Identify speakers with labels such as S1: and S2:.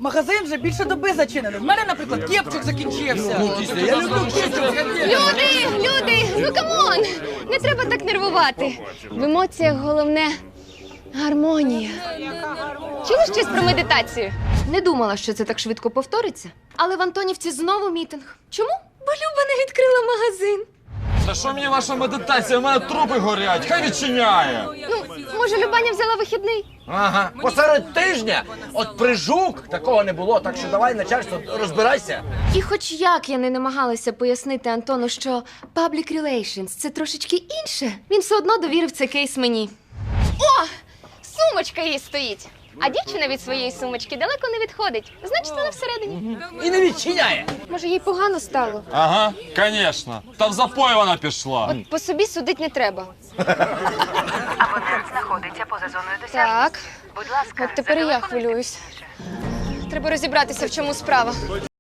S1: Магазин вже більше доби зачинений. В мене, наприклад, кепчик закінчився.
S2: Я люблю кепчик.
S3: Люди, ну камон! Не треба так нервувати. В емоціях головне гармонія. Чули щось про медитацію? Не думала, що це так швидко повториться. Але в Антонівці знову мітинг. Чому? Бо Люба не відкрила магазин.
S4: Та що мені ваша медитація? У мене трупи горять, хай відчиняє.
S3: Ну, може, Любаня взяла вихідний?
S2: Ага, посеред тижня. От прижук такого не було, так що давай, начальство, розбирайся.
S3: І хоч як я не намагалася пояснити Антону, що public relations – це трошечки інше, він все одно довірив цей кейс мені. О! Сумочка їй стоїть! А дівчина від своєї сумочки далеко не відходить. Значить, вона всередині.
S2: І не відчиняє.
S3: Може, їй погано стало?
S4: Ага, звісно. Та в запой вона пішла.
S3: От по собі судить не треба.
S5: Абонент знаходиться поза зоною досягнення.
S3: Так,
S5: Будь ласка,
S3: от тепер і я хвилююсь. Треба розібратися, в чому справа.